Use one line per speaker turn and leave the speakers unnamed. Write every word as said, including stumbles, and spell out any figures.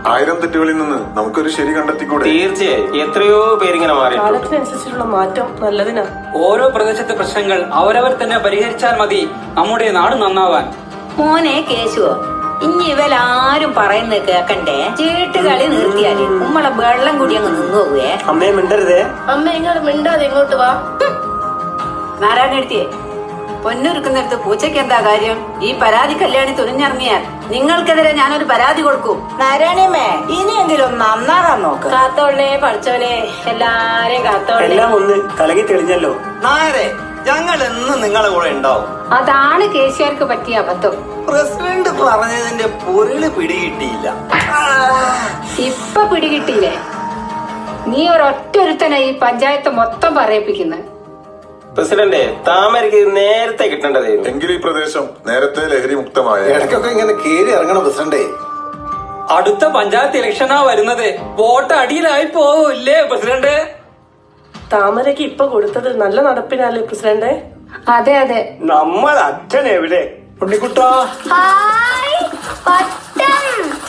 ആയിരം തെറ്റുകളിൽ നിന്ന് നമുക്കൊരു ശരി കണ്ടെത്തിക്കൂടെ?
തീർച്ചയായും. എത്രയോ പേരിങ്ങനെ മാറി.
കാലത്തിനനുസരിച്ചുള്ള മാറ്റം നല്ലതിനാ.
ഓരോ പ്രദേശത്തെ പ്രശ്നങ്ങൾ അവരവർ തന്നെ പരിഹരിച്ചാൽ മതി നമ്മുടെ നാട് നന്നാവാൻ.
മോനെ കേശുവോ, ഇനി ഇവരാരും പറയുന്നത് കേക്കണ്ടേ? ചീട്ടുകളി നിർത്തിയാല് ഉമ്മളെ വെള്ളം കൂടി അങ്ങ് നിന്നോകുവേ.
അമ്മയെ മിണ്ടരുതേ.
അമ്മ ഇങ്ങോട്ട് മിണ്ടാതെ ഇങ്ങോട്ട് വാ.
നാരായണെടുത്തിയേ, പൊന്നൊരുക്കുന്നിടത്ത് പൂച്ചയ്ക്ക് എന്താ കാര്യം? ഈ പരാതി കല്യാണി തുനിഞ്ഞിറങ്ങിയാൽ നിങ്ങൾക്കെതിരെ ഞാനൊരു പരാതി കൊടുക്കും. നാരായണിയമ്മേ, ഇനിയെങ്കിലും നന്നാറാൻ നോക്ക്.
കാത്തോളേ പഠിച്ചവനെ, എല്ലാരെയും കാത്തോളേ.
എല്ലാം ഒന്ന് കലകി തെളിഞ്ഞല്ലോ.
നായരെ, ഞങ്ങൾ എന്നും നിങ്ങളെ കൂടെ ഉണ്ടാവും.
അതാണ് കേസിയാർക്ക് പറ്റിയ അബദ്ധം.
പ്രസിഡന്റ് പറഞ്ഞതിന്റെ പൊരുള് പിടികിട്ടിയില്ല.
ഇപ്പൊ പിടികിട്ടിയില്ലേ? നീ ഒരൊറ്റ ഒരുത്തനെ ഈ പഞ്ചായത്ത് മൊത്തം പറയിപ്പിക്കുന്നത്.
പ്രസിഡന്റ്, താമരക്ക് നേരത്തെ കിട്ടേണ്ടതായിരുന്നു.
എങ്കിലും ഈ പ്രദേശം നേരത്തെ ലഹരി മുക്തമായ.
ഇടയ്ക്കൊക്കെ ഇങ്ങനെ കേറി ഇറങ്ങണം പ്രസിഡന്റേ.
അടുത്ത പഞ്ചായത്ത് ഇലക്ഷനാ വരുന്നത്. വോട്ട് അടിയിലായി പോവില്ലേ പ്രസിഡന്റ്?
താമരക്ക് ഇപ്പൊ കൊടുത്തത് നല്ല നടപ്പിനല്ലേ പ്രസിഡന്റ്?
അതെ അതെ.
നമ്മൾ അച്ഛൻ എവിടെ? ഉണ്ണിക്കുട്ടാ.
ഹായ് പട്ടം.